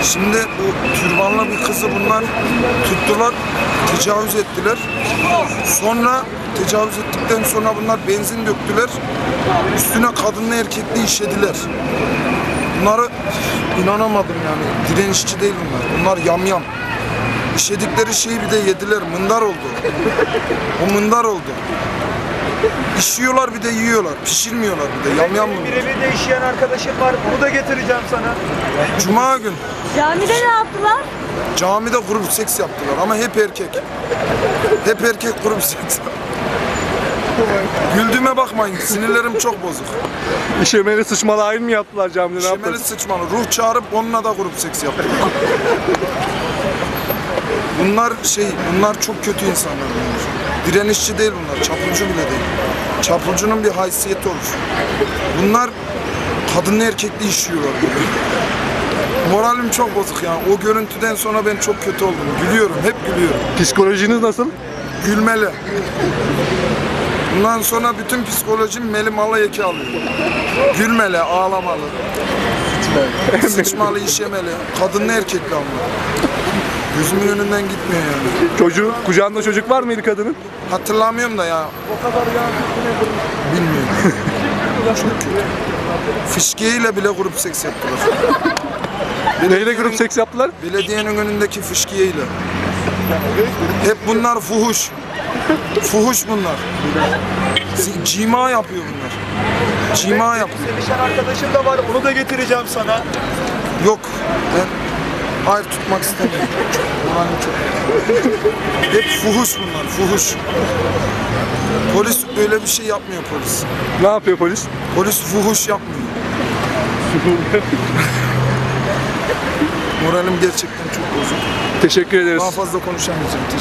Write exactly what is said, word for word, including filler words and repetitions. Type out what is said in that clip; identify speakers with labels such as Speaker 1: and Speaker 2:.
Speaker 1: Şimdi bu türbanlı bir kızı bunlar tuttular, tecavüz ettiler. Sonra tecavüz ettikten sonra bunlar benzin döktüler. Üstüne kadınla erkekli işediler. Bunları inanamadım yani. Direnişçi değil bunlar. Bunlar yamyam. İşedikleri şeyi bir de yediler. Mındar oldu. O mındar oldu. İşiyorlar bir de yiyorlar. Pişirmiyorlar bir de. Yamyam bunlar.
Speaker 2: Birebir de işleyen arkadaşım var. Bunu da getireceğim sana.
Speaker 1: Cuma gün
Speaker 3: Camide ne yaptılar?
Speaker 1: camide grup seks yaptılar ama hep erkek. Hep erkek grup seks. Güldüğüme bakmayın. Sinirlerim çok bozuk.
Speaker 4: İşemeli sıçmalı ayin mi yaptılar camide, ne
Speaker 1: Şemeli
Speaker 4: yaptılar?
Speaker 1: sıçmalı. Ruh çağırıp onunla da grup seks yaptılar. Bunlar şey, bunlar çok kötü insanlar. Bunlar. Direnişçi değil bunlar. Çapulcu bile değil. Çapulcunun bir haysiyeti olur. Bunlar kadınlı erkekli işiyorlar böyle. Moralim çok bozuk yani. O görüntüden sonra ben çok kötü oldum. Gülüyorum, hep gülüyorum.
Speaker 4: Psikolojiniz nasıl?
Speaker 1: Gülmeli. Bundan sonra bütün psikolojim meli malı eki alıyor. Gülmeli, ağlamalı. Sıçmalı, işemeli. Kadınlı erkekli ama. Gözümün önünden gitmiyor yani.
Speaker 4: Çocuğu, kucağında çocuk var mıydı kadının?
Speaker 1: Hatırlamıyorum da ya. Bilmiyorum. Çok kötü. Fışkiyeyle bile grup seks yaptılar.
Speaker 4: Neyle grup seks yaptılar?
Speaker 1: Belediyenin önündeki fışkiyeyle. Hep bunlar fuhuş. Fuhuş bunlar. Cima yapıyor bunlar. Cima yapıyor.
Speaker 2: Sevişen arkadaşım da var. Onu da getireceğim sana.
Speaker 1: Yok. Ben hayır tutmak istemiyorum. Moralim çok. Hep fuhuş bunlar. Fuhuş. Polis öyle bir şey yapmıyor polis.
Speaker 4: Ne yapıyor polis?
Speaker 1: Polis fuhuş yapmıyor. Moralim gerçekten çok bozuk.
Speaker 4: Teşekkür ederiz.
Speaker 1: Daha fazla konuşamayacağım.